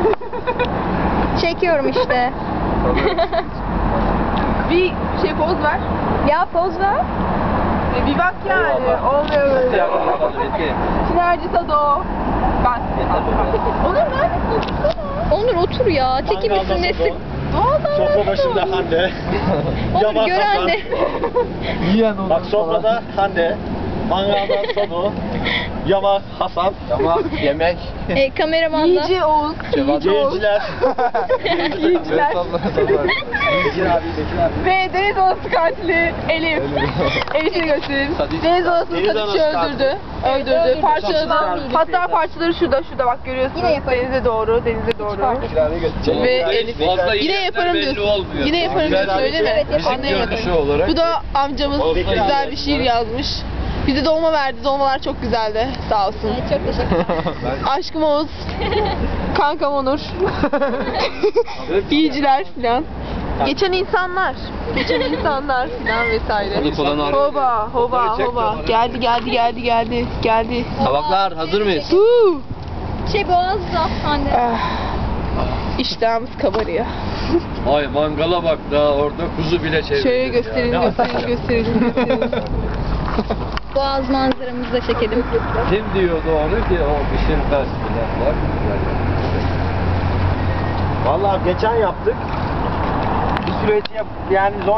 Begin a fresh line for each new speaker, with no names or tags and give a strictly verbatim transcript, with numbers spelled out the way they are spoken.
Çekiyorum işte.
Bir şey poz ver.
Ya poz ver.
E, bir bak yani. Olmuyor böyle. Sinerji Sado. Ben. Onur neredesin?
Onur otur ya. Çekilmişsin nesin?
Sofra başında Hande.
Onur
Yaman
gören
Hasan.
de.
Yiyen onu.
Bak sofrada Hande. Mangalda Sodu. Yamak Hasan.
Yamak yemek.
E, kameraman da.
Yiyici Oğuz. Yiyici Oğuz.
Yiyiciler.
Yiyiciler.
Bekir abi, Bekir abi.
Ve Deniz Anası katili Elif. Elif'i gösterin. Deniz Anası'nı
Deniz
Sadikçi
Anası
öldürdü. Öldürdü.
Öldürdü.
Parçaladı.
Parçaladı.
Hatta parçaları şurada şurada bak görüyorsunuz.
Yine yaparım.
Denize doğru. Denize doğru.
Bekir abi götürecek.
Ve Elif. Yine yaparım diyorsun. Yine yaparım diyorsun öyle mi?
Evet,
Anlayamadım.
olarak.
Bu da amcamız güzel bir şiir yazmış. Bize dolma verdi. Dolmalar çok güzeldi. Sağ olsun.
Evet, çok teşekkür ederim.
Aşkım Oğuz. Kankam Onur. İyiciler filan. Geçen insanlar. Geçen insanlar filan vesaire.
Onu falan arıyor.
Hoba, hoba, hoba. Geldi, geldi, geldi, geldi, geldi.
Tabaklar hazır mıyız?
Huu.
Şey boğazda anne.
Ah. İştahımız kabarıyor.
Ay mangala bak daha orada kuzu bile çevirdi.
Şöyle gösterelim, gösterelim, gösterelim, gösterelim.
Boğaz manzaramızı da çekelim.
Kim diyordu onu ki o pişirmez filan var.
Vallahi geçen yaptık. Bir süreç yap yani zor.